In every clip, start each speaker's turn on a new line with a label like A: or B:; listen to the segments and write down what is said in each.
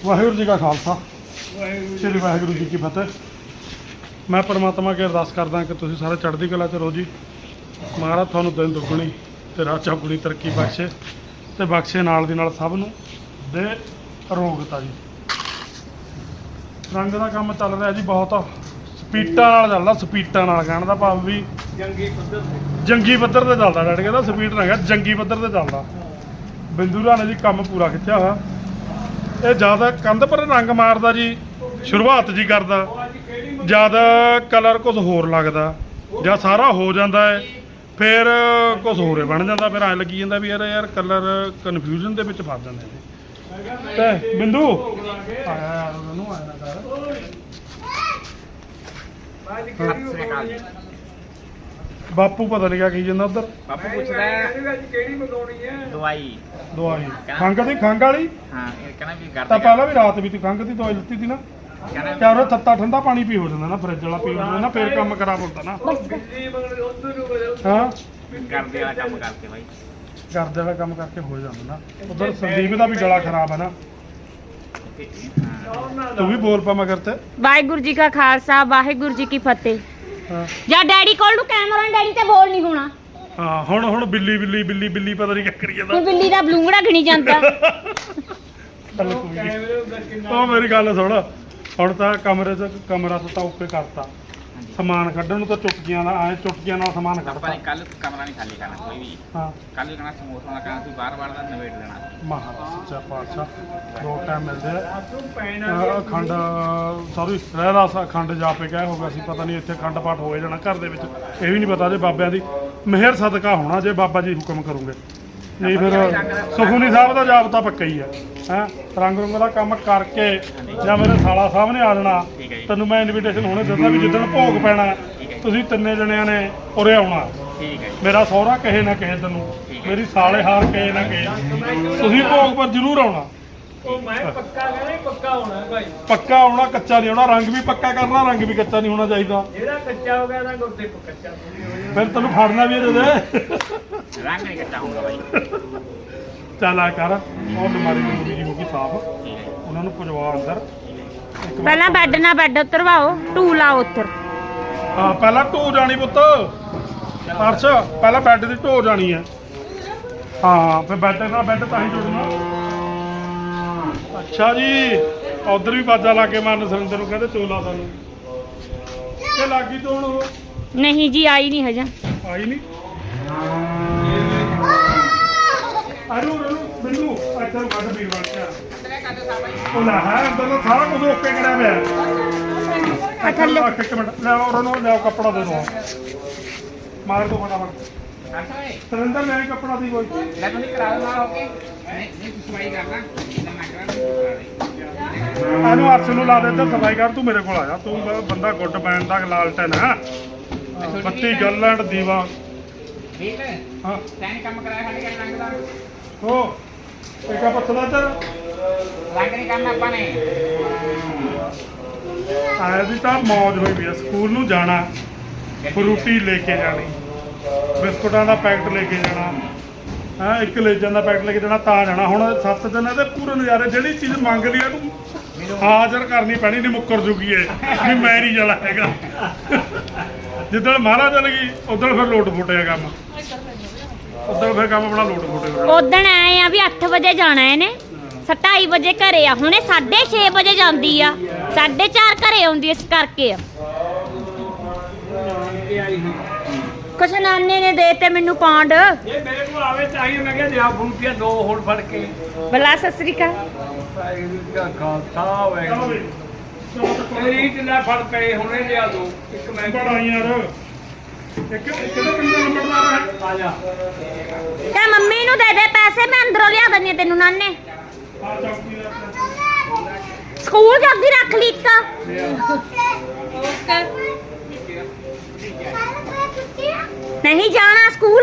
A: ਵਾਹਿਗੁਰੂ ਜੀ ਕਾ ਖਾਲਸਾ ਸ੍ਰੀ ਵਾਹਿਗੁਰੂ ਜੀ ਕੀ ਫਤਿਹ। ਮੈਂ ਪਰਮਾਤਮਾ ਅੱਗੇ ਅਰਦਾਸ ਕਰਦਾ ਕਿ ਤੁਸੀਂ ਸਾਰੇ ਚੜ੍ਹਦੀ ਕਲਾ 'ਚ ਰਹੋ ਜੀ। ਮਹਾਰਾਜ ਤੁਹਾਨੂੰ ਦਿਨ ਦੁੱਗਣੀ ਤੇ ਰਾਤ ਚੌਗੁਣੀ ਤਰੱਕੀ ਬਖਸ਼ੇ ਤੇ ਬਖਸ਼ੇ ਨਾਲ ਦੀ ਨਾਲ ਸਭ ਨੂੰ ਦੇ ਅਰੋਗਤਾ ਜੀ। ਰੰਗ ਦਾ ਕੰਮ ਚੱਲ ਰਿਹਾ ਜੀ, ਬਹੁਤ ਸਪੀਟਾਂ ਨਾਲ ਚੱਲਦਾ, ਸਪੀਟਾਂ ਨਾਲ ਕਹਿਣ ਦਾ ਭਾਵ ਵੀ ਜੰਗੀ ਪੱਧਰ ਤੇ ਚੱਲਦਾ। ਡੈਡ ਕਹਿੰਦਾ ਸਪੀਡ ਨਾ ਹੈਗਾ, ਜੰਗੀ ਪੱਧਰ ਤੇ ਚੱਲਦਾ। ਬਿੰਦੂ ਰਾਣੇ ਜੀ ਕੰਮ ਪੂਰਾ ਖਿੱਚਿਆ ਹੋਇਆ। ਇਹ ਜ਼ਿਆਦਾ ਕੰਧ ਪਰ ਰੰਗ ਮਾਰਦਾ ਜੀ, ਸ਼ੁਰੂਆਤ ਜੀ ਕਰਦਾ, ਜ਼ਿਆਦਾ ਕਲਰ ਕੁਝ ਹੋਰ ਲੱਗਦਾ, ਜਾਂ ਸਾਰਾ ਹੋ ਜਾਂਦਾ ਹੈ ਫਿਰ ਕੁਝ ਹੋਰ ਬਣ ਜਾਂਦਾ। ਫਿਰ ਐਂ ਲੱਗੀ ਜਾਂਦਾ ਵੀ ਯਾਰ ਕਲਰ ਕਨਫਿਊਜ਼ਨ ਦੇ ਵਿੱਚ ਫਸ ਜਾਂਦੇ ਨੇ। ਤੇ ਬਿੰਦੂ ਆਇਆ ਯਾਰ ਉਹਨੂੰ ਆਇਆ ਨਾ ਕਰ। ਬਾਪੂ ਪਤਾ ਨਹੀਂ ਕੀ ਜਾਂਦਾ ਉਧਰ।
B: ਬਾਪੂ ਪੁੱਛਦਾ ਕਿਹੜੀ ਮੰਗਾਉਣੀ ਹੈ ਦਵਾਈ
A: ਖੰਘ ਦੀ, ਖੰਘ ਵਾਲੀ।
B: ਹਾਂ ਇਹ ਕਹਿੰਦਾ ਵੀ ਕਰ
A: ਤਾਂ ਪਹਿਲਾਂ ਵੀ ਰਾਤ ਵੀ ਤੂੰ ਖੰਘ ਦੀ ਦਵਾਈ ਲਿੱਤੀ ਸੀ ਨਾ। ਕਿਆ ਉਹ ਤੱਤਾ ਠੰਡਾ ਪਾਣੀ ਪੀ ਹੋ ਜਾਂਦਾ ਨਾ, ਫਰਿੱਜ ਵਾਲਾ ਪੀ ਹੋ ਜਾਂਦਾ ਨਾ, ਫੇਰ ਕੰਮ ਖਰਾਬ ਹੁੰਦਾ ਨਾ। ਹਾਂ
B: ਕਰਦੇ ਵਾਲਾ ਕੰਮ ਕਰਕੇ ਬਾਈ,
A: ਕਰਦੇ ਵਾਲਾ ਕੰਮ ਕਰਕੇ ਹੋ ਜਾਂਦਾ ਨਾ। ਉਧਰ ਸੰਦੀਪ ਦਾ ਵੀ ਗਲਾ ਖਰਾਬ ਹੈ ਨਾ। ਤੂੰ ਵੀ ਬੋਲ ਪਾ ਮਗਰ ਤੇ।
C: ਵਾਹਿਗੁਰੂ ਜੀ ਕਾ ਖਾਲਸਾ ਵਾਹਿਗੁਰੂ ਜੀ ਕੀ ਫਤਿਹ। ਜਾਂ ਡੈਡੀ ਕੋਲ ਨੂੰ ਕੈਮਰਾ, ਡੈਡੀ ਤੇ ਬੋਲ ਨਹੀਂ ਹੋਣਾ।
A: ਹਾਂ ਹੁਣ ਬਿੱਲੀ ਬਿੱਲੀ ਬਿੱਲੀ ਬਿੱਲੀ ਪਤਾ ਨਹੀਂ ਕੀ ਕਰੀ ਜਾਂਦਾ।
C: ਹੁਣ ਬਿੱਲੀ ਦਾ ਬਲੂੰਗੜਾ ਗਿਣੀ ਜਾਂਦਾ।
A: ਚੱਲ ਕੋਈ ਨਹੀਂ। ਉਹ ਮੇਰੀ ਗੱਲ ਸੁਣ, ਹੁਣ ਤਾਂ ਕਮਰੇ 'ਚ ਕਮਰਾ ਤਾਂ ਓਕੇ ਕਰਤਾ, ਸਮਾਨ ਕੱਢਣ ਨੂੰ ਤਾਂ ਚੁਟਕੀਆਂ ਨਾਲ ਚੁਟਕੀਆਂ ਨਾਲ ਸਮਾਨ
B: ਆਪਾਂ
A: ਕੱਢਤਾ।
B: ਨੇ ਕੱਲ ਕਮਰਾ ਨਹੀਂ ਖਾਲੀ ਕਰਨਾ ਕੋਈ ਵੀ।
A: ਹਾਂ
B: ਕੱਲ ਵੀ ਕਹਣਾ ਸਮੋਸਾ ਦਾ ਕਹਣਾ, ਤੁਸੀਂ ਬਾਰ-ਬਾਰ ਦਾ ਨਵੇੜ ਲੈਣਾ।
A: ਮਹਾਰਾਜ ਸੱਚਾ ਪਾਤਸ਼ਾਹ ਦੋ ਟਾਈਮ ਮਿਲਦੇ ਆ। ਅਖੰਡ ਸੌਰੀ ਰਹਿਰਾਸ ਅਖੰਡ ਜਾਪੇ ਕਹਿ ਹੋ ਗਿਆ ਸੀ, ਪਤਾ ਨਹੀਂ ਇੱਥੇ ਅਖੰਡ ਪਾਠ ਹੋਏ ਜਾਣਾ ਘਰ ਦੇ ਵਿੱਚ। ਇਹ ਵੀ ਨਹੀਂ ਪਤਾ ਜੇ ਬਾਬਿਆਂ ਦੀ ਮਿਹਰ ਸਦਕਾ ਹੋਣਾ, ਜੇ ਬਾਬਾ ਜੀ ਹੁਕਮ ਕਰੂਗੇ। ਨਹੀਂ ਫਿਰ ਸੁਖਮਨੀ ਸਾਹਿਬ ਦਾ ਜਾਪ ਤਾਂ ਪੱਕਾ ਹੀ ਹੈ। ਰੰਗ ਰੁੰਗ ਦਾ ਕੰਮ ਕਰਕੇ ਜਾਂ ਮੇਰੇ ਸਾਲਾ ਸਾਹਿਬ ਨੇ ਆ ਜਾਣਾ, ਤੈਨੂੰ ਮੈਂ ਇਨਵੀਟੇਸ਼ਨ ਹੁਣੇ ਦਿੰਦਾ ਵੀ ਜਿੱਦਣ ਭੋਗ ਪੈਣਾ ਤੁਸੀਂ ਤਿੰਨੇ ਜਣਿਆਂ ਨੇ ਉਰੇ ਆਉਣਾ।
B: ਠੀਕ ਹੈ
A: ਮੇਰਾ ਸਹੁਰਾ ਕਹੇ ਨਾ ਕਹੇ ਤੈਨੂੰ, ਮੇਰੀ ਸਾਲੇ ਹਾਰ ਕਹੇ ਨਾ ਕਹੇ, ਤੁਸੀਂ ਭੋਗ ਪਰ ਜ਼ਰੂਰ ਆਉਣਾ।
D: ਮੈਂ ਪੱਕਾ ਕਹਿੰਦਾ ਪੱਕਾ ਹੋਣਾ ਭਾਈ,
A: ਪੱਕਾ ਆਉਣਾ, ਕੱਚਾ ਨਹੀਂ ਆਉਣਾ। ਰੰਗ ਵੀ ਪੱਕਾ ਕਰਨਾ, ਰੰਗ ਵੀ ਕੱਚਾ ਨਹੀਂ ਹੋਣਾ ਚਾਹੀਦਾ।
D: ਜਿਹੜਾ ਕੱਚਾ ਹੋ ਗਿਆ ਤਾਂ ਗੁਰਦੇ ਕੱਚਾ
A: ਫਿਰ ਤੈਨੂੰ ਫੜਨਾ ਵੀ ਇਹਦੇ ਦੇ।
B: ਰੰਗ ਨਹੀਂ ਕੱਟਾ ਹੁੰਦਾ ਬਾਈ।
A: ਚੱਲ ਆ ਕਰ, ਉਹ ਬਿਮਾਰੀ ਦੀ ਹੋ ਗਈ ਸਾਫ਼, ਉਹਨਾਂ ਨੂੰ ਪਜਵਾ ਅੰਦਰ।
C: ਪਹਿਲਾਂ ਬੈੱਡ ਨਾਲ ਬੈੱਡ ਉਤਰਵਾਓ, ਢੂ ਲਾਓ ਉੱਤਰ।
A: ਹਾਂ ਪਹਿਲਾਂ ਢੋ ਜਾਣੀ ਪੁੱਤ ਅਰਸ਼, ਪਹਿਲਾਂ ਬੈੱਡ ਦੀ ਢੋ ਜਾਣੀ ਹੈ। ਹਾਂ ਫਿਰ ਬੈੱਡ ਨਾਲ ਬੈੱਡ ਤਾਂ ਹੀ ਜੁੜਨਾ। ਅੱਛਾ ਜੀ, ਉਧਰ ਵੀ ਬਾਜਾ ਲਾ ਕੇ ਮਾਰਨ ਸੁਰਿੰਦਰ ਨੂੰ ਕਹਿੰਦੇ ਚੋਲਾ ਸਾਨੂੰ। ਇਹ ਲੱਗੀ ਤੋਂ ਹੁਣ
C: ਨਹੀਂ ਜੀ ਆਈ ਨਹੀਂ ਹਜੇ।
A: ਆਈ ਨਹੀਂ। ਅਰੂ ਬਿੰਦੂ ਇੱਥੇ ਨੂੰ ਕੱਢ ਵੀਰ ਬਣ ਕੇ ਉਹ ਲੈ ਹੈ ਅੰਦਰ ਤਾਂ ਸਾਰਾ ਕੁਝ ਓਕੇ ਕਰਿਆ ਪਿਆ।
C: ਥੱਲੇ
A: ਇੱਕ ਮਿੰਟ ਲੈ ਉਹਨਾਂ ਨੂੰ ਲਿਆਓ ਕੱਪੜਾ ਦੇ ਦੋ, ਮਾਰ ਦੋ ਫਟਾਫਟ। ਸੁਰਿੰਦਰ ਲੈ ਕੱਪੜਾ ਦੀ ਕੋਈ।
B: ਲੈ ਤੁਸੀਂ ਕਰਾ ਲਓ ਨਾਲ ਹੋ ਕੇ। ਨਹੀਂ ਤੁਸੀਂ ਸਫਾਈ ਕਰਨਾ, ਮੈਂ ਕਰਾਂ।
A: ਇਹਨੂੰ ਅਰਸ਼ ਨੂੰ ਲਾ ਦੇ ਤੇ ਸਫਾਈ ਕਰ। ਤੂੰ ਮੇਰੇ ਕੋਲ ਆ ਜਾ, ਤੂੰ ਬੰਦਾ ਗੁੱਡ ਬੈਨ ਦਾ ਲਾਲਟਨ ਹੈ। ਬੱਤੀ ਗੱਲੈਂਡ ਦੀਵਾ।
B: ਠੀਕ ਹੈ
A: ਹਾਂ
B: ਤੈਨੂੰ ਕੰਮ ਕਰਾਇਆ ਸਾਡੇ ਘਰ ਰੰਗ ਦਾ।
A: ਹੋ ਇੱਕਾ ਪੱਤਲਾ ਚਰ
B: ਰੰਗ ਨਹੀਂ ਕਰਨਾ ਆਪਾਂ ਨੇ।
A: ਆਇਆ ਦੀ ਤਾਂ ਮੌਜ ਹੋਈ ਵੀ ਆ। ਸਕੂਲ ਨੂੰ ਜਾਣਾ, ਫਰੂਟੀ ਲੈ ਕੇ ਜਾਣੀ, ਬਿਸਕੁਟਾਂ ਦਾ ਪੈਕਟ ਲੈ ਕੇ ਜਾਣਾ, ਹਾਂ ਇੱਕ ਲੇਜਾਂ ਦਾ ਪੈਕਟ ਲੈ ਕੇ ਜਾਣਾ, ਤਾਂ ਜਾਣਾ। ਹੁਣ 7 ਦਿਨ ਇਹਦੇ ਪੂਰੇ ਨਜ਼ਾਰੇ। ਜਿਹੜੀ ਚੀਜ਼ ਮੰਗ ਲਈ ਇਹਨੂੰ ਹਾਜ਼ਰ ਕਰਨੀ ਪੈਣੀ, ਨਹੀਂ ਮੁੱਕਰ ਜੂਗੀ ਇਹ ਵੀ ਮੈਂ ਨਹੀਂ ਜਾਣਾ ਹੈਗਾ। ਜਿੱਦਣ ਮਹਾਰਾਜ ਚਲ ਗਈ ਉਦੋਂ ਫਿਰ ਲੋਟ ਫੁੱਟਿਆ ਕੰਮ, ਉਦੋਂ ਫਿਰ ਕੰਮ ਆਪਣਾ ਲੋਟ ਫੁੱਟਿਆ।
C: ਉਦਣ ਆਏ ਆ ਵੀ 8 ਵਜੇ ਜਾਣਾ ਇਹਨੇ, 2:30 ਵਜੇ ਘਰੇ ਆ। ਹੁਣੇ 6:30 ਵਜੇ ਜਾਂਦੀ ਆ, 4:30 ਘਰੇ ਆਉਂਦੀ। ਇਸ ਕਰਕੇ ਆ ਕੁਛ ਨਾਨੇ ਨੇ ਦੇ ਤੇ ਮੈਨੂੰ ਪੌਂਡ।
D: ਇਹ ਮੇਰੇ ਕੋਲ ਆਵੇ ਚਾਹੀਏ, ਮੈਂ ਕਿਹਾ ਲਿਆ ਫਰੂਟੀਆਂ 2 ਹੋਰ ਫੜ ਕੇ।
C: ਬਲਾ ਸਤਿ ਸ੍ਰੀ ਅਕਾਲ।
D: ਖਾਲਸਾ ਹੋਵੇ ਤੇਰੀ ਢਿੱਲਾ ਫੜ ਪਏ ਹੁਣੇ ਲਿਆ ਦੋ। ਇੱਕ ਮੈਂ
A: ਬੜਾ ਯਾਰ ਇੱਕ ਕਿਹੜਾ ਕਿੰਨਾ ਨੰਬਰ ਮਾਰਾ ਹੈ।
D: ਆ ਜਾ
C: ਤੇ ਮੰਮੀ ਨੂੰ ਦੇ ਦੇ ਪੈਸੇ, ਮੈਂ ਅੰਦਰੋਂ ਲਿਆ ਦਿੰਦੀ ਤੈਨੂੰ ਨਾਨੇ।
A: ਆ ਚੌਕੀ ਦਾ
C: ਸਕੂਲ ਜਲਦੀ ਰੱਖ ਲਈ ਇੱਕ। ਨਹੀਂ ਜਾਣਾ ਸਕੂਲ।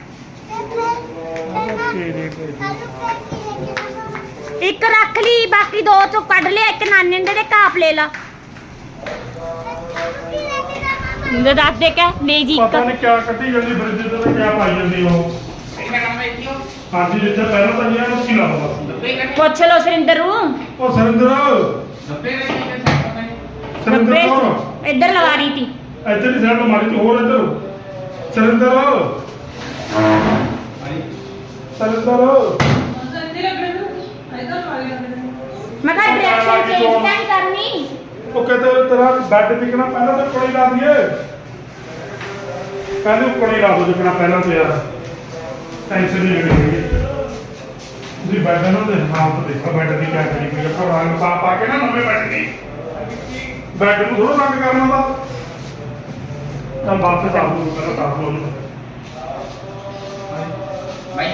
C: ਇੱਕ ਰੱਖ ਲਈ, ਬਾਕੀ 2 ਚੋਂ ਕੱਢ ਲਿਆ। ਇੱਕ ਨਾਨੇ ਦੇ ਕਾਪ ਲੈ ਲਾ। ਦੱਸ ਦੇ ਕਹਿ ਲੈ ਜੀ।
A: ਪਤਾ ਨਹੀਂ ਕਿਆ ਕੱਢੀ ਜਾਂਦੀ ਫਰਿੱਜ ਤੇ, ਕਿਆ ਪਾਈ ਜਾਂਦੀ ਉਹ।
B: ਇੱਥੇ ਕੰਮ ਇੱਥੇ ਹੋ।
A: ਹਾਂਜੀ ਜਿੱਥੇ ਪਹਿਲਾਂ ਤਾਂ ਇਹ ਕੀ ਲਾਉਂਦਾ ਸੀ।
B: 90 का
C: ਪੁੱਛ ਲਓ ਸੁਰਿੰਦਰ ਨੂੰ
A: ਉਹ ਸਰਿੰਦਰ
B: 90 का नहीं कर सकता मैं
A: ਸਰਿੰਦਰ
C: 90
A: ਕੌਣ?
C: ਇੱਧਰ ਲਵਾ ਰਹੀ ਤੀ
A: ਇੱਧਰ ਦੀ ਸਾਈਡ ਮਾਰੀ ਤੂੰ ਹੋਰ ਇੱਧਰ ਸਰਿੰਦਰ ਸਰਿੰਦਰ
C: ਮੈਂ ਕਿਹਾ ਡਾਇਰੈਕਸ਼ਨ ਚੇਂਜ ਤਾਂ ਨਹੀਂ ਕਰਨੀ
A: ਉਹ ਕਹਿੰਦੇ ਤੇਰਾ ਬੈੱਡ ਟਿਕਣਾ ਪਹਿਲਾਂ ਤੇ ਕੋਲੀ ਲਾ ਦਈਏ ਪਹਿਲੇ ਕੋਲੀ ਲਾ ਦੋ ਜਿਕਣਾ ਪਹਿਲਾਂ ਤੇ ਯਾਰ ਟੈਨਸ਼ਨ ਨਹੀਂ ਲੈਣੀ ਤੁਸੀਂ ਬੈੱਡ ਨੂੰ ਦੇ ਹਾਲਤ ਦੇਖੋ ਬੈੱਡ ਦੀ ਕਿਆ ਕਰੀ ਕੋਈ ਆਪਾਂ ਰੰਗ ਪਾ ਕੇ ਨਾ ਨਵੇਂ ਬੈੱਡ ਦੀ ਬੈੱਡ ਨੂੰ ਥੋੜਾ ਰੰਗ ਕਰਨਾ ਦਾ ਤਾਂ ਬਾਅਦ ਚ ਆਪ ਨੂੰ ਪਹਿਲਾਂ ਤਾਂ ਬੋਲ
B: भाई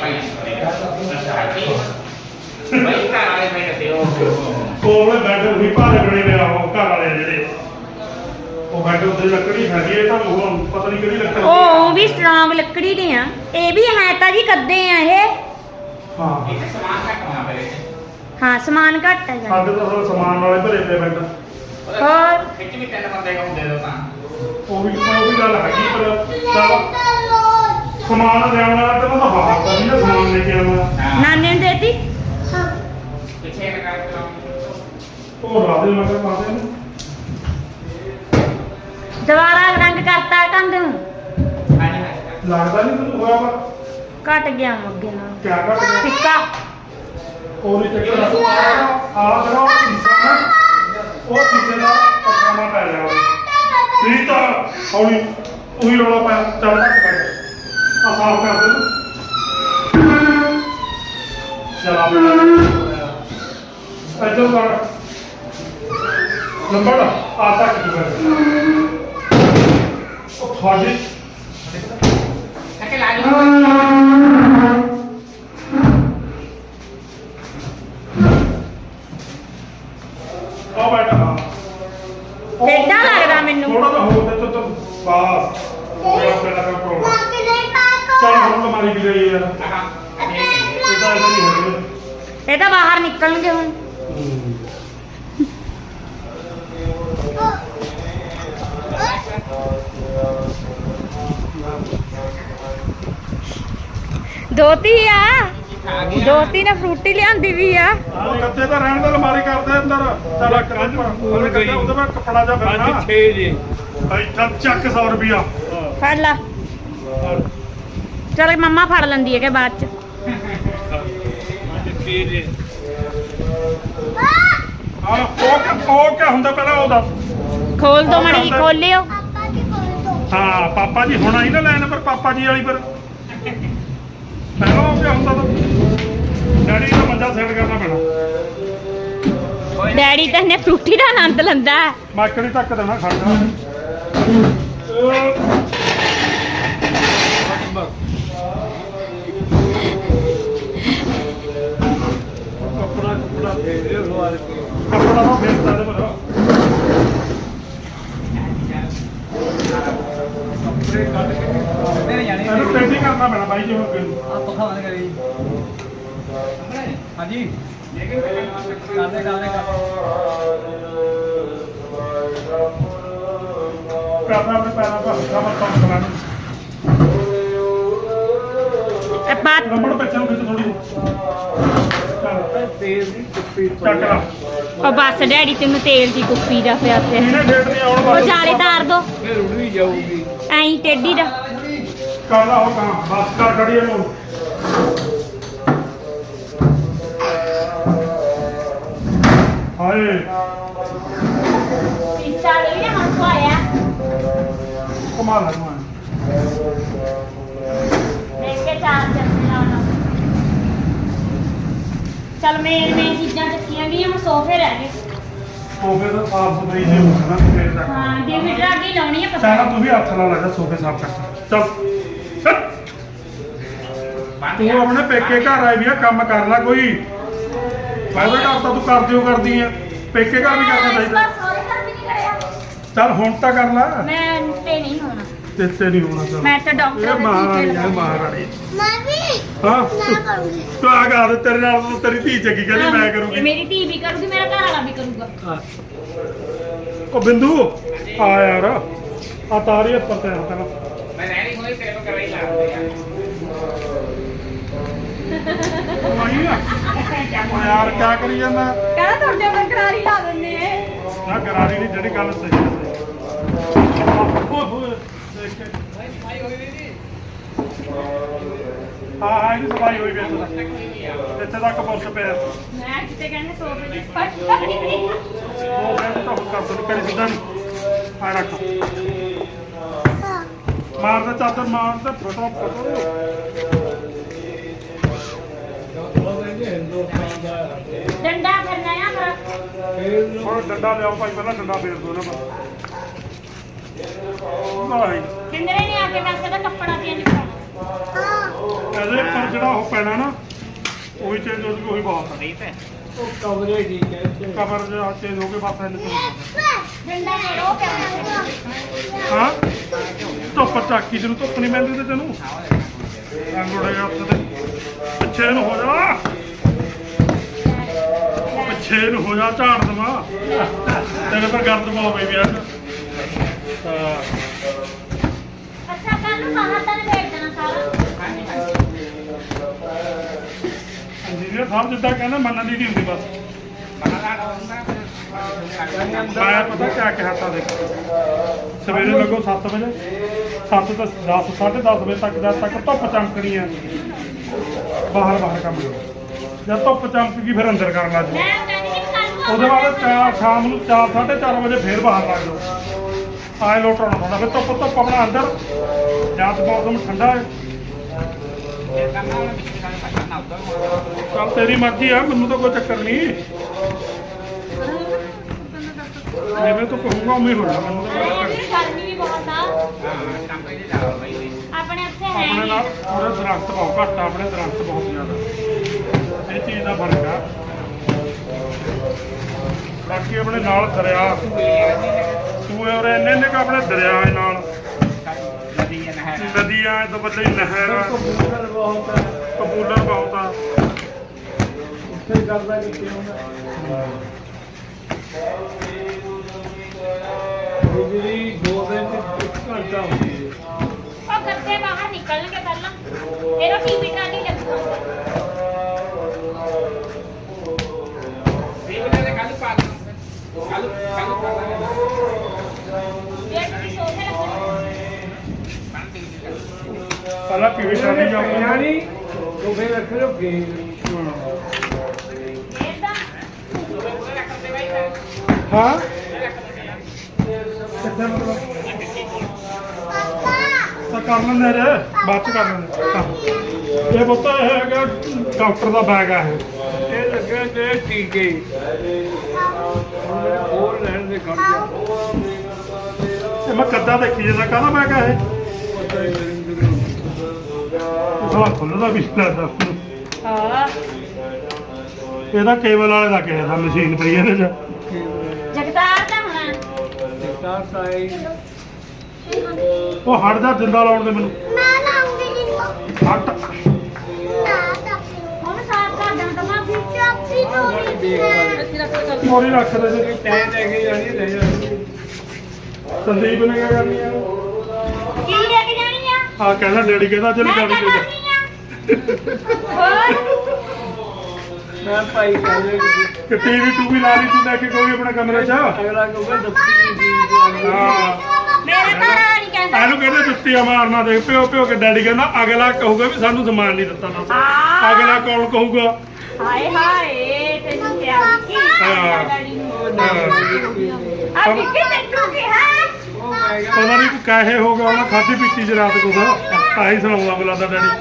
B: घर वाले मैं कहते हो
A: ਕੋਲ ਬੈੱਡ ਉਹੀ ਭਾਰੇ ਬਣੇ ਨੇ ਉਹ ਘਰ ਵਾਲੇ ਜਿਹੜੇ ਉਹ ਬੈੱਡ ਉੱਤੇ ਲੱਕੜੀ ਹੈਗੀ ਹੈ ਤਾਂ ਉਹ ਪਤਾ ਨਹੀਂ ਕਿਹੜੀ ਲੱਕੜੀ
C: ਉਹ ਵੀ ਸਟਰੋਂਗ ਲੱਕੜੀ ਦੇ ਆ ਇਹ ਵੀ ਹੈ ਤਾਂ ਜੀ ਕੱਦੇ ਆ ਇਹ
A: ਹਾਂ
B: इसे सामान का कहाँ पे
C: ਹਾਂ ਸਮਾਨ ਘੱਟ ਹੈ ਜੀ
A: ਸਾਡੇ ਤਾਂ ਸਾਰਾ ਸਮਾਨ ਨਾਲੇ ਭਰੇ ਪਏ ਬੈੱਡ
C: और
B: खिच भी 3 बंदे को दे दो
A: ਉਹ ਵੀ ਗੱਲ ਹੈਗੀ ਪਰ ਚੱਲ ਸਮਾਨ ਲਿਆਉਣ ਵਾਲਾ ਤੇ ਉਹਦਾ ਹਾਲ ਤਾਂ ਨਹੀਂ ਨਾ ਸਮਾਨ ਲੈ ਕੇ ਆਉਣਾ
C: ਨਾਨੇ ਨੂੰ ਦੇਤੀ
B: पीछे लगा के
A: ਉਹ ਰਾਦੇ ਮਗਰ ਪਾਦੇ ਨੂੰ
C: ਦੁਬਾਰਾ ਰੰਗ ਕਰਤਾ ਕੰਧ ਨੂੰ
B: हाँ जी
A: ਲੱਗਦਾ ਨਹੀਂ ਤੈਨੂੰ ਹੋਇਆ ਵਾ
C: ਘਟ ਗਿਆ ਅੱਗੇ ਨਾਲ
A: ਕਿਆ ਕਰ
C: ਫਿੱਕਾ
A: ਉਹ ਨਹੀਂ ਚੱਕਰ ਆ ਜਿਹੜਾ ਉਹ ਸ਼ੀਸ਼ਾ ਨਾ ਉਹ ਸ਼ੀਸ਼ੇ ਦਾ ਪੱਖਾਂ ਪੈ ਰਿਹਾ ਠੀਕ ਤਾਂ ਹੌਲੀ ਉਹੀ ਰੌਲਾ ਪਾਇਆ ਚੱਲ ਤੱਕ ਕਰ ਆ ਸਾਫ ਕਰ ਦੇ ਚਲਾ ਇੱਧਰ ਕਰ ਨੰਬਰ ਆ ਤੱਕ ਕੀ ਕਰ ਉਹ ਤੁਹਾਡੇ
B: के लाली
A: ਆ ਬੈਠਾ ਹਾਂ
C: ਟੇਢਾ ਲੱਗਦਾ ਮੈਨੂੰ।
A: ਥੋੜਾ ਜਿਹਾ ਹੋਰ ਤੇ ਤੂੰ ਬਾਸ ਹੋ ਗਿਆ ਪਹਿਲਾਂ ਦਾ ਪ੍ਰੋਬਲਮ ਚੱਲ ਹੁਣ ਅਲਮਾਰੀ ਵੀ ਗਈ ਯਾਰ ਇਹਦਾ ਨਹੀਂ ਹੈ
C: ਇਹ ਤਾਂ ਬਾਹਰ ਨਿਕਲਣਗੇ ਹੁਣ ਦੋਤੀ ਆ ਦੋਤੀ ਨੇ ਫਰੂਟੀ ਲਿਆਂਦੀ ਵੀ ਆ
A: ਉਹ ਕੱਦੇ ਤਾਂ ਰਹਿਣ ਦਾ ਅਲਮਾਰੀ ਕਰਦੇ ਅੰਦਰ ਚੱਲ ਕੰਨ ਉਹਦੇ ਕੱਦੇ ਉਹਦੇ ਵਿੱਚ ਕੱਪੜਾ ਜਾ ਫਿਰਨਾ
D: 6 ਜੀ
A: ਇੱਥਾ ਚੱਕ 100 ਰੁਪਿਆ
C: ਫੜ ਲਾ ਚਲ ਮੰਮਾ ਫੜ ਲੈਂਦੀ ਹੈ ਕਿ ਬਾਅਦ ਚ
D: 6 ਜੀ
A: ਹਾਂ ਉਹ ਕਿਆ ਹੁੰਦਾ ਪਹਿਲਾਂ ਉਹ ਦੱਸ
C: ਖੋਲ ਦੋ ਮੜੀ ਜੀ ਖੋਲਿਓ
A: ਹਾਂ ਪਾਪਾ ਜੀ ਹੁਣ ਆਈ ਨਾ ਲੈਣ ਪਰ ਪਾਪਾ ਜੀ ਵਾਲੀ ਪਰ ਪਹਿਲਾਂ ਉਹ ਕਿਆ ਹੁੰਦਾ ਤਾਂ ਡੈਡੀ ਦਾ ਮੰਜਾ ਸੈੱਟ ਕਰਨਾ ਪੈਣਾ
C: ਡੈਡੀ ਤਾਂ ਇਹਨੇ ਫਰੂਟੀ ਦਾ ਆਨੰਦ ਲੈਂਦਾ ਹੈ।
A: ਮਾਕੜੀ ਤੱਕ ਦੇਣਾ ਖੜਦਾ
D: ਕੱਪੜਾ ਫੇਰ ਦੇ ਲਵਾ ਦੇ
A: ਕੱਪੜਾ ਤਾਂ ਫੇਰਦਾ ਦੇ ਪਰ
D: ਕੱਪੜੇ ਕੱਢ ਕੇ ਮੇਰੇ ਜਾਣੇ
A: ਇਹਨੂੰ ਪੇਂਟਿੰਗ ਕਰਨਾ ਪੈਣਾ ਬਾਈ ਜੀ ਹੁਣ ਅੱਗੇ ਨੂੰ।
D: ਆਪ ਖਾਵਾਂਗੇ ਕਰੀ ਹਾਂਜੀ ਕਰਦੇ
A: ਕਰਨਾ ਆਪਣੇ ਪੈਰਾਂ ਦਾ ਹੱਥਾਂ ਨਾਲ ਕੰਮ ਕਰਾਣਾ
C: ਇਹ ਬਾਤ
A: ਰਬੜ ਪਿੱਛੇ ਨੂੰ ਖਿੱਚ ਥੋੜੀ ਚੱਲ
D: ਤੇਲ ਦੀ ਕੁੱਪੀ
A: ਚੱਕ ਲਾ
C: ਉਹ ਬਸ ਡੈਡੀ ਤੈਨੂੰ ਤੇਲ ਦੀ ਕੁੱਪੀ ਦਾ ਪਿਆ ਤੇ
A: ਇਹਨੇ ਡੇਟ ਨਹੀਂ ਆਉਣ
C: ਉਹ
A: ਵਾਲੀ
C: ਜਾਲੇ ਤਾਰ ਦੋ
D: ਫਿਰ ਉੜ ਵੀ ਜਾਊਗੀ
C: ਐਂ ਟੇਢੀ ਦਾ
A: ਕਰ ਲਾ ਉਹ ਕੰਮ ਬਸ ਕਰ ਖੜੀ ਇਹਨੂੰ ਹਾਏ
C: ਪਿੱਛਾ ਲਈ ਨਾ ਹੱਥ ਆਇਆ
A: ਕਮਾਲ ਹੈ ਤੂੰ
C: ਦੇਖ ਕੇ ਚਾਰ ਚੱਪੇ ਲਾਉਣਾ ਚਲ ਮੇਨ ਚੀਜ਼ਾਂ ਚੱਕੀਆਂ ਗਈਆਂ ਹੁਣ ਸੋਫੇ ਰਹਿ ਗਏ
A: ਸੋਫੇ ਦਾ ਸਾਫ ਸੁਥਰੀ ਜੇ ਹੋਣਾ ਫੇਰ ਤੱਕ
C: ਹਾਂ ਡਿਵਿਡ ਰਾਗੀ ਲਾਉਣੀ ਹੈ
A: ਸਾਰਾ
C: ਪਸੰਦ
A: ਤੂੰ ਵੀ ਹੱਥ ਨਾਲ ਲੱਗਾ ਸੋਫੇ ਸਾਫ ਕਰ ਚੱਲ ਤੂੰ ਆਪਣੇ ਪੇਕੇ ਘਰ ਆਈ ਵੀ ਆ ਕੰਮ ਕਰ ਲੈ ਕੋਈ ਫਾਇਦਾ ਘਰ ਤਾਂ ਤੂੰ ਕਰਦੀ ਆ ਪੇਕੇ ਘਰ ਵੀ ਕਰਨਾ ਚਾਹੀਦਾ
C: ਸਾਰੇ ਘਰ ਵੀ ਨਹੀਂ ਕਰਿਆ
A: ਚੱਲ ਹੁਣ ਤਾਂ ਕਰ ਲੈ
C: ਮੈਂ ਤੇ ਨਹੀਂ ਹੋਣਾ
A: ਤੇ ਨਹੀਂ ਹੋਣਾ ਚੱਲ
C: ਮੈਂ ਤਾਂ ਡਾਕਟਰ
A: ਇਹ
C: ਦੇ
A: ਮਹਾਰਾਣੀ
C: ਟੀਕੇ
A: ਹੈ
C: ਲਗਾਉਣੇ।
A: ਮਹਾਰਾਣੀ
E: ਮੈਂ ਵੀ
A: ਹਾਂ
E: ਨਾ ਕਰੂੰਗੀ
A: ਤੂੰ ਆ ਗਾ ਤੇਰੇ ਨਾਲ ਤਾਂ ਤੇਰੀ ਧੀ ਚੱਕੀ ਕਹਿੰਦੀ ਮੈਂ ਕਰੂੰਗੀ
C: ਮੇਰੀ ਧੀ ਵੀ ਕਰੂਗੀ ਮੇਰਾ ਘਰ ਵਾਲਾ ਵੀ ਕਰੂਗਾ
A: ਉਹ ਬਿੰਦੂ ਆ ਯਾਰ ਆ ਤਾਰੀ ਉੱਪਰ ਤੇ ਹੱਥ ਨਾਲ
B: मैं रहनी हुई तेरे को कराई ला रहे यार
A: ਆਈ ਆ ਉਹ ਯਾਰ ਕਿਆ ਕਰੀ ਜਾਂਦਾ
C: ਕਹਿੰਦਾ ਤੁਹਾਡੇ ਉੱਪਰ ਕਰਾਰੀ ਲਾ ਦਿੰਦੇ ਐ
A: ਨਾ ਗਰਾਰੀ ਨਹੀਂ ਜਿਹੜੀ ਗੱਲ ਸਹੀ ਹੈ ਓਏ ਹੋਏ ਦੇਖ ਕੇ ਹਾਂ ਇਹਦੀ ਸਫਾਈ ਹੋਈ ਵੀ ਇੱਥੇ ਤੱਕ ਪੁਲਿਸ ਪਿਆ
C: ਮੈਂ ਕਿਤੇ ਕਹਿੰਦੇ ਸੋਫੇ ਦੀ ਸਫਾਈ
A: ਉਹ ਕਹਿੰਦਾ ਤਾਂ ਕਰ ਦੋ ਕਰੀ ਸਿੱਧਾ ਨਹੀਂ ਆ ਰੱਖ ਮਾਰ ਦੇ ਚਾਦਰ ਮਾਰ ਦੇ ਫਟੋ ਫਟੋ
C: ਡੰਡਾ ਫਿਰਨਾ ਆ ਪਰ
A: ਹੁਣ ਡੰਡਾ ਲਿਆਓ ਭਾਈ ਪਹਿਲਾਂ ਡੰਡਾ ਫੇਰ ਦੋ ਨਾ ਬਸ ਭਾਈ
C: ਕਿੰਦਰੇ ਨੇ ਆ ਕੇ ਵੈਸੇ ਤਾਂ ਕੱਪੜਾ ਚੇਂਜ ਕਰਾਉਣਾ
A: ਇਹਦੇ ਪਰ ਜਿਹੜਾ ਉਹ ਪੈਣਾ ਨਾ ਉਹੀ ਚੇਂਜ ਹੋ ਜੂਗੀ ਉਹੀ ਬਹੁਤ ਹੈ
B: ਨਹੀਂ ਤੇ
D: ਉਹ ਕਵਰੇ ਠੀਕ ਹੈ
A: ਕਵਰ ਜਿਹੜਾ ਚੇਂਜ ਹੋ ਕੇ ਬਸ ਇਹਨੂੰ
C: ਡੰਡਾ ਫੇਰੋ ਕਰਨਾ
A: ਹਾਂ ਧੁੱਪ ਚਾਕੀ ਜਿਹਨੂੰ ਧੁੱਪ ਨਹੀਂ ਮਿਲਦੀ ਤੇ ਤੈਨੂੰ ਅੰਗੋੜੇਗਾ ਉੱਥੇ ਤੇ ਪਿੱਛੇ ਨੂੰ ਹੋ ਜਾ ਪਿੱਛੇ ਨੂੰ ਹੋ ਜਾ ਝਾੜ ਦਵਾ ਤੇਰੇ ਪਰ ਗਰਦ ਪਾਓ ਬਈ ਯਾਰ
C: ਅੱਛਾ ਕੱਲ ਨੂੰ ਬਾਹਰ ਤਾਂ ਭੇਜ ਦੇਣਾ ਸਾਰਾ
A: ਇੰਜੀਨੀਅਰ ਸਾਹਿਬ ਜਿੱਦਾਂ ਕਹਿੰਦਾ ਮੰਨਣ ਦੀ ਨਹੀਂ ਹੁੰਦੀ ਬਸ ਮੈਂ ਪਤਾ ਕਿਆ ਕਿਹਾ ਤਾਂ ਦੇਖ ਸਵੇਰੇ ਲੱਗੋ 7 ਵਜੇ 7 ਤੋਂ 10 10:30 ਵਜੇ ਤੱਕ ਜਦ ਤੱਕ ਧੁੱਪ ਚਮਕਣੀ ਆ ਬਾਹਰ ਕੰਮ ਕਰੋ ਜਦ ਧੁੱਪ ਚਮਕ ਗਈ ਫਿਰ ਅੰਦਰ ਕਰਨ ਲੱਗ ਜਾਓ
C: ਮੈਂ ਕਹਿੰਦੀ ਕਿ ਕੱਲ ਨੂੰ
A: ਉਹਦੇ ਬਾਅਦ ਸ਼ਾਮ ਨੂੰ 4:30 ਵਜੇ ਫੇਰ ਬਾਹਰ ਲੱਗ ਜਾਓ ਆਏ ਲੋਟਣਾ ਹੁੰਦਾ ਫਿਰ ਧੁੱਪ ਆਪਣਾ ਅੰਦਰ ਜਦ ਮੌਸਮ ਠੰਡਾ ਹੈ ਚੱਲ ਤੇਰੀ ਮਰਜ਼ੀ ਆ ਮੈਨੂੰ ਤਾਂ ਕੋਈ ਚੱਕਰ ਨਹੀਂ ਜਿਵੇਂ ਤੂੰ ਕਹੂੰਗਾ ਉਵੇਂ ਹੋਣਾ ਮੈਨੂੰ ਤਾਂ ਕੋਈ ਚੱਕਰ ਨਹੀਂ
C: ਗਰਮੀ ਵੀ ਬਹੁਤ ਆ ਆਪਣੇ ਉੱਥੇ ਹੈ
A: ਆਪਣੇ ਨਾਲ ਥੋੜੇ ਦਰਖਤ ਬਹੁਤ ਘੱਟ ਆ ਆਪਣੇ ਦਰਖਤ ਬਹੁਤ ਜ਼ਿਆਦਾ ਇਹ ਚੀਜ਼ ਦਾ ਫਰਕ ਆ ਬਾਕੀ ਆਪਣੇ ਨਾਲ ਦਰਿਆ ਸੂਏ ਔਰ ਇੰਨੇ ਕੁ ਆਪਣੇ ਦਰਿਆ ਨਾਲ ਨਦੀਆਂ ਤੋਂ ਬੱਲੇ ਨਹਿਰ
D: ਕਬੂਤਰ ਬਹੁਤ ਹੈ
A: ਕਬੂਲਰ ਬਹੁਤ ਆ
D: ਉੱਥੇ ਕਰਦਾ ਕਿੱਥੇ ਹੁੰਦਾ ਬਿਜਲੀ 2 ਦਿਨ ਚ 1 ਘੰਟਾ ਹੁੰਦੀ ਹੈ
C: ਉਹ ਗੱਦੇ ਬਾਹਰ ਨਿਕਲਣਗੇ ਪਹਿਲਾਂ ਫਿਰ ਉਹ ਟੀਵੀ ਟਾਲੀ ਲੱਗੂਗਾ ਇਹ ਤੁਸੀਂ ਸੋਫੇ ਰੱਖਣੇ
A: ਪਹਿਲਾਂ ਪੀਵੀ ਸ਼ਾਦੀ ਜਾਊਗਾ
D: ਯਾਨੀ ਉਹ ਫੇਰ ਰੱਖ ਲੋ ਗੇਮ
C: ਇਹਦਾ
A: ਹਾਂ ਕਿੱਥੇ ਮਤਲਬ ਤਾਂ ਕਰ ਲੈਂਦੇ ਰੇ ਬਾਅਦ ਚ ਕਰ ਲੈਂਦੇ ਇਹ ਬੋਤਾ ਇਹ ਹੈਗਾ ਡਾਕਟਰ ਦਾ ਬੈਗ ਆ ਇਹ
D: ਇਹ ਲੱਗੇ ਤੇ ਟੀਕੇ ਹੋਰ ਲੈਣ ਦੇ ਖੜ ਜਾ
A: ਇਹ ਮੈਂ ਕੱਦਾ ਦੇਖੀ ਜਾਂਦਾ ਕਾਹਦਾ ਬੈਗ ਆ ਇਹ
D: ਪਤਾ ਹੀ ਨਹੀਂ
A: ਸਾਲਾ ਖੁੱਲਦਾ ਵੀ ਲੱਗਦਾ
C: ਹਾਂ
A: ਇਹਦਾ ਕੇਬਲ ਵਾਲੇ ਦਾ ਕਿਸੇ ਦਾ ਮਸ਼ੀਨ ਪਈ ਇਹਦੇ ਚ
C: ਜਗਦਾਰ ਦਾ ਹੋਣਾ
D: ਤਾਂ ਸਾਈ
A: ਉਹ ਹਟ ਜਾ ਜਿੰਦਾ ਲਾਉਣ ਦੇ ਮੈਨੂੰ
C: ਮੈਂ ਲਾਉਂਗੀ ਜੀ
A: ਹਟ
C: ਹੁਣ ਸਾਫ ਕਰ ਦਾਂ ਤਾਂ ਮੈਂ ਵਿੱਚ ਆਪੀ ਤੋਂ
A: ਮੋਰੀ ਰੱਖ ਦੇ ਜੀ
D: ਟੈ ਲੈ ਕੇ ਜਾਣੀ ਲੈ ਜਾਣੀ
A: ਸੰਦੀਪ ਨੇ ਕਿਆ ਕਰਨੀ ਆ
C: ਕੀ ਲੈ ਕੇ ਜਾਣੀ ਆ
A: ਆ ਕਹਿੰਦਾ ਡੈਡੀ ਕਹਿੰਦਾ ਚੱਲ
C: ਮੈਂ
A: ਗਾੜੀ
C: ਕਿਆ
A: ਲੈ ਜਾ
C: ਕਰਨੀ ਆ ਹੋਰ
D: ਮੈਂ ਭਾਈ ਕਹਿੰਦੇ
A: ਕਿ ਟੀਵੀ ਟੂ ਵੀ ਲਾ ਲਈ ਤੂੰ ਲੈ ਕੇ ਕੋਈ ਆਪਣੇ ਕਮਰੇ 'ਚ
D: ਅਗਲਾ ਕਹੂਗਾ ਦੱਸੀ ਜੀ
A: ਹਾਂ
C: ਮੇਰੇ ਘਰ ਵਾਲਾ ਨਹੀਂ ਕਹਿੰਦਾ
A: ਇਹਨੂੰ ਕਹਿੰਦੇ ਜੁੱਤੀਆਂ ਮਾਰਨਾ ਦੇਖ ਪਿਓ ਪਿਓ ਕੇ ਡੈਡੀ ਕਹਿੰਦਾ ਅਗਲਾ ਕਹੂਗਾ ਵੀ ਸਾਨੂੰ ਸਮਾਨ ਨਹੀਂ ਦਿੱਤਾ ਨਾ
C: ਹਾਂ।
A: ਅਗਲਾ ਕੌਣ ਕਹੂਗਾ
C: ਹਾਏ ਹਾਏ ਤੈਨੂੰ ਕਿਹਾ ਕੀ
A: ਹਾਂ।
C: ਡੈਡੀ ਨੂੰ
A: ਹਾਂ।
C: ਆ ਕਿੱਥੇ ਤੈਨੂੰ ਕਿਹਾ
D: ਉਹ ਮੈਂ ਕਿਹਾ
A: ਪਤਾ ਨਹੀਂ ਕਾਹੇ ਹੋ ਗਿਆ ਉਹਨਾਂ ਖਾਧੀ ਪੀਤੀ ਚ ਰਾਤ ਕੁਛ ਆਹੀ ਸੁਣਾਉਂਦਾ ਬੁਲਾਦਾ ਡੈਡੀ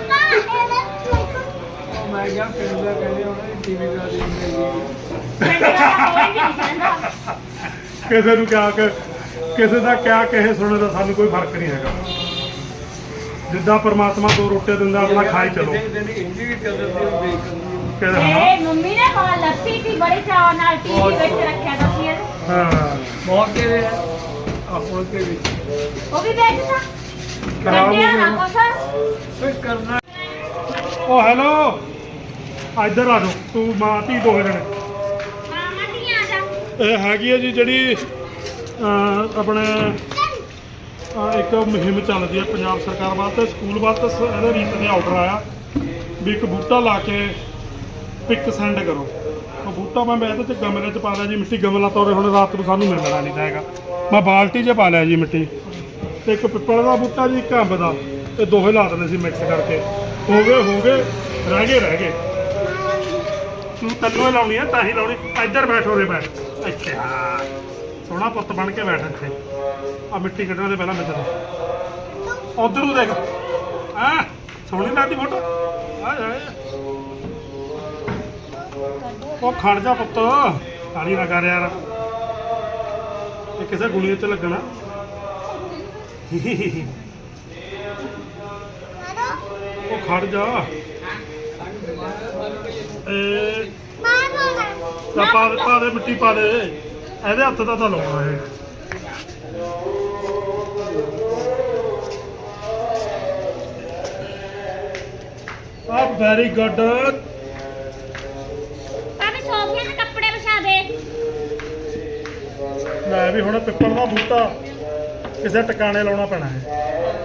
D: ਮੈਂ ਕਿਹਾ ਪਿੰਡ ਦਾ ਕਹਿੰਦੇ ਉਹਨਾਂ ਦੀ ਟੀਵੀ ਦਾ ਦੇਖ ਲਈ
C: ਪਿੰਡ ਦਾ ਕੋਈ ਨਹੀਂ ਕਹਿੰਦਾ
A: ਕਿਸੇ ਨੂੰ ਕਿਆ ਕਿ ਕਿਸੇ ਦਾ ਕਿਆ ਕਹੇ ਸੁਣੇ ਦਾ ਸਾਨੂੰ ਕੋਈ ਫਰਕ ਨਹੀਂ ਹੈਗਾ ਜਿੱਦਾਂ ਪਰਮਾਤਮਾ ਦੋ ਰੋਟੇ ਦਿੰਦਾ ਆਪਣਾ ਖਾਈ ਚਲੋ
D: ਦਿਨ ਹਿੰਦੀ ਵੀ ਚੱਲਦੀ ਉਹ ਦੇਖ
A: ਕਹਿੰਦੇ ਹਾਂ
C: ਇਹ ਮੰਮੀ ਨੇ ਬਾਹਰ ਲੱਸੀ ਸੀ ਬੜੇ ਚਾਅ ਨਾਲ ਟੀਵੀ ਵਿੱਚ ਰੱਖਿਆ ਤਾਂ ਸੀ ਇਹਦੇ।
A: ਹਾਂ
D: ਬਹੁਤ ਦੇ ਆਪੋ ਕੇ ਵਿੱਚ
C: ਉਹ ਵੀ ਵੇਚਦਾ
A: ਖਰਾਬ ਹੋ
C: ਕੱਢਿਆ ਨਾ
A: ਗਿਆ
C: ਕੁਛ
D: ਕੋਈ ਕਰਨਾ
A: ਉਹ ਹੈਲੋ ਇੱਧਰ ਆ ਜਾਓ ਤੂੰ ਮਾਂ ਧੀ ਦੋਵੇਂ ਜਣੇ
C: ਮਾਮਾ ਨਹੀਂ ਆ ਜਾ
A: ਇਹ ਹੈਗੀ ਹੈ ਜੀ ਜਿਹੜੀ ਆਪਣੇ ਇੱਕ ਮੁਹਿੰਮ ਚੱਲਦੀ ਹੈ ਪੰਜਾਬ ਸਰਕਾਰ ਵਾਸਤੇ ਸਕੂਲ ਵਾਸਤੇ ਇਹਦੇ ਰੀਤ ਦੇ ਆਰਡਰ ਆਇਆ ਵੀ ਇੱਕ ਬੂਟਾ ਲਾ ਕੇ ਪਿਕ ਸੈਂਡ ਕਰੋ। ਉਹ ਬੂਟਾ ਮੈਂ ਇਹਦੇ ਚ ਗਮਲੇ ਚ ਪਾ ਲਿਆ ਜੀ ਮਿੱਟੀ, ਗਮਲਾ ਤੋਰੇ ਹੁਣ ਰਾਤ ਨੂੰ ਸਾਨੂੰ ਮਿਲਣਾ ਨਹੀਂ ਤਾਂ ਹੈਗਾ। ਮੈਂ ਬਾਲਟੀ 'ਚ ਪਾ ਲਿਆ ਜੀ ਮਿੱਟੀ, ਤੇ ਇੱਕ ਪਿੱਪਲ ਦਾ ਬੂਟਾ ਜੀ, ਇੱਕ ਅੰਬ ਦਾ, ਇਹ ਦੋਹੇ ਲਾ ਦਿੰਦੇ ਸੀ ਮਿਕਸ ਕਰਕੇ। ਹੋ ਗਏ ਰਹਿ ਗਏ। ਤੂੰ ਤੈਨੂੰ ਹੀ ਲਾਉਣੀ ਆ, ਤਾਂ ਹੀ ਲਾਉਣੀ। ਇੱਧਰ ਬੈਠੋ ਰੇ ਬੈਠ ਇੱਥੇ, ਹਾਂ ਸੋਹਣਾ ਪੁੱਤ ਬਣ ਕੇ ਬੈਠ ਇੱਥੇ। ਆ ਮਿੱਟੀ ਕੱਢਣ ਦੇ ਪਹਿਲਾਂ ਮਿੱਤਰ ਉਧਰ ਨੂੰ ਦੇਖ, ਹਾਂ ਸੋਹਣੀ ਲੱਗਦੀ ਫੋਟੋ। ਹਾਏ ਉਹ ਖੜ ਜਾ ਪੁੱਤ, ਕਾਲੀ ਨਾ ਕਰ ਯਾਰ, ਇਹ ਕਿਸੇ ਗੁਣੀਏ ਤੇ ਲੱਗਣਾ। ਉਹ ਖੜ ਜਾ, ਪਾ ਦੇ ਮਿੱਟੀ ਪਾ ਦੇ, ਇਹਦੇ ਹੱਥ ਦਾ ਤਾਂ ਲਾਉਣਾ ਇਹ। ਆ ਵੈਰੀ ਗੁੱਡ।
C: ਭਾਵੇਂ ਸੋਫੀਆਂ ਦੇ ਕੱਪੜੇ ਵਿਛਾ ਦੇ।
A: ਲੈ ਵੀ ਹੁਣ ਪਿੱਪਲ ਦਾ ਬੂਟਾ ਕਿਸੇ ਟਿਕਾਣੇ ਲਾਉਣਾ ਪੈਣਾ ਹੈ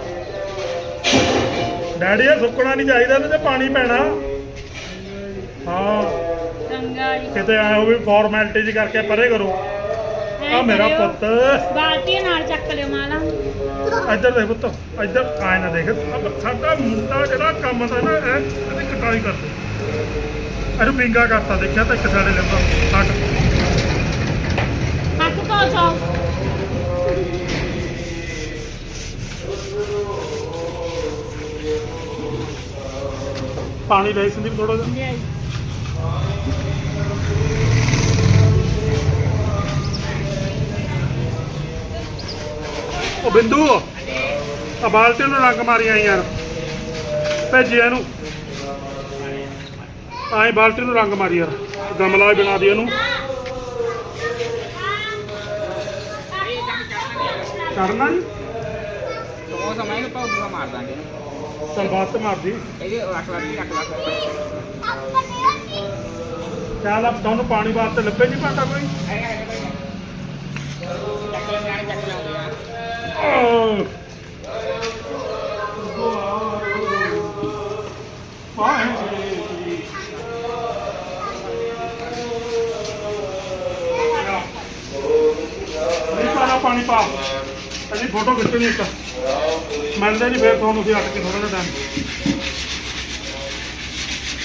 A: ਡੈਡੀ। ਇਹ ਸੁੱਕਣਾ ਨਹੀਂ ਚਾਹੀਦਾ, ਇਹਦੇ 'ਤੇ ਪਾਣੀ ਪੈਣਾ। ਹਾਂ
C: ਚੰਗਾ ਜੀ।
A: ਕਿਤੇ ਆਏ ਹੋ ਵੀ ਫਾਰਮੈਲਿਟੀ ਜੀ ਕਰਕੇ ਪਰੇ ਕਰੋ। ਆ ਮੇਰਾ ਪੁੱਤ,
C: ਬਾਲਟੀ ਨਾਲ ਚੱਕ ਲਿਓ ਮਾਲਾ।
A: ਇੱਧਰ ਦੇਖ ਪੁੱਤ, ਇੱਧਰ ਆਏ ਨਾ ਦੇਖ। ਸਾਡਾ ਮੁੰਡਾ ਜਿਹੜਾ ਕੰਮ ਦਾ ਨਾ, ਇਹਦੀ ਕਟਾਈ ਕਰਦੇ, ਇਹਨੂੰ ਪਿੰਗਾ ਕਰਤਾ ਦੇਖਿਆ ਤਾਂ ਇੱਕ ਸਾਡੇ ਲਿੰਬਾ ਹੱਟ।
C: ਹੱਥ ਧੋ ਚੋ।
A: ਪਾਣੀ ਲੈ ਸੰਦੀਪ ਥੋੜਾ ਜਿਹਾ। ਉਹ ਬਿੰਦੂ, ਆ ਬਾਲਟੀ ਨੂੰ ਰੰਗ ਮਾਰੀਆਂ ਯਾਰ, ਭੇਜਿਆ ਇਹਨੂੰ। ਆਏ ਬਾਲਟੀ ਨੂੰ ਰੰਗ ਮਾਰੀ ਯਾਰ, ਗਮਲਾ ਹੀ ਬਣਾ ਦੀ ਇਹਨੂੰ। ਕਰਨਾ ਜੀ
B: ਉਹ ਸਮਾਂ ਨੂੰ ਪਾਉ ਮਾਰ ਦਾਂਗੇ।
A: ਚੱਲ ਬਾਤ ਤੇ ਮਾਰਦੀ।
B: ਇਹਦੇ ਰੱਖ ਲਾ।
A: ਚੱਲ ਆਪ ਤੁਹਾਨੂੰ ਪਾਣੀ ਵਾਸਤੇ ਲੱਭੇ ਨਹੀਂ ਪਾਤਾ ਕੋਈ। ਪਾਣੀ ਪਾ, ਅਸੀਂ ਫੋਟੋ ਖਿੱਚਣੀ ਇੱਕ ਮਿਲਦੇ ਨਹੀਂ, ਫਿਰ ਤੁਹਾਨੂੰ ਅਸੀਂ ਅੱਟ ਕੇ ਥੋੜਾ ਜਿਹਾ ਟਾਈਮ।